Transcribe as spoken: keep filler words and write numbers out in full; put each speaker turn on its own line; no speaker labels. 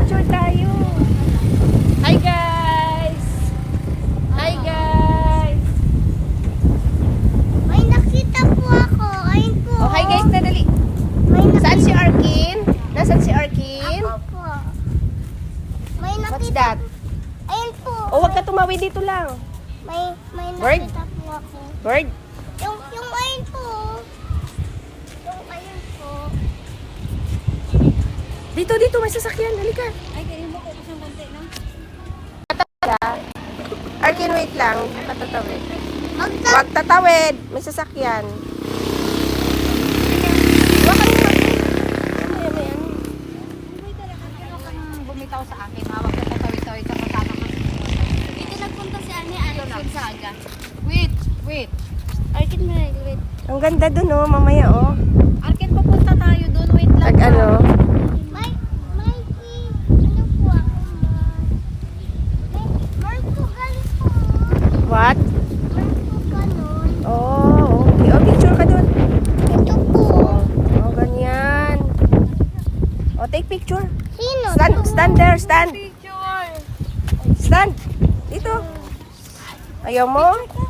Picture tayo. Hi guys! Hi guys!
May nakita po ako. Ayun po.
Oh, hi guys na dali.
May nakita
Saan si Arkin? Nasaan si Arkin?
Ako po. May nakita.
What's that?
Ayun po.
Oh, wag ka tumawid dito lang.
May, may
Bird?
nakita po ako.
Bird?
Yung, yung ayun po. Yung ayun po.
Dito, dito, may sasakyan. Halika.
Ay, ganyan mo ko isang konti na.
Arkin, wait lang. Patatawid.
Magta.
Wag tatawid. May sasakyan. Wag ka naman. Ano yan, yan?
Bumitaw sa akin, hawak na tatawid-tawid sa kasama ko.
Dito nagpunta si Ani Alex Gonzaga.
Wait, wait.
Arkin mo na, wait.
Ang ganda dun, oh. Mamaya, oh.
Arkin, pupunta tayo doon. Wait lang.
Tag ano?
May, may, ano po ako, may, Portugal po.
What?
Portugal nun.
Oh, okay. Oh, picture ka dun.
Ito po.
Oh, ganyan. Oh, take picture.
Sino?
Stand, stand there, stand.
Picture.
Stand. Dito. Ayaw mo?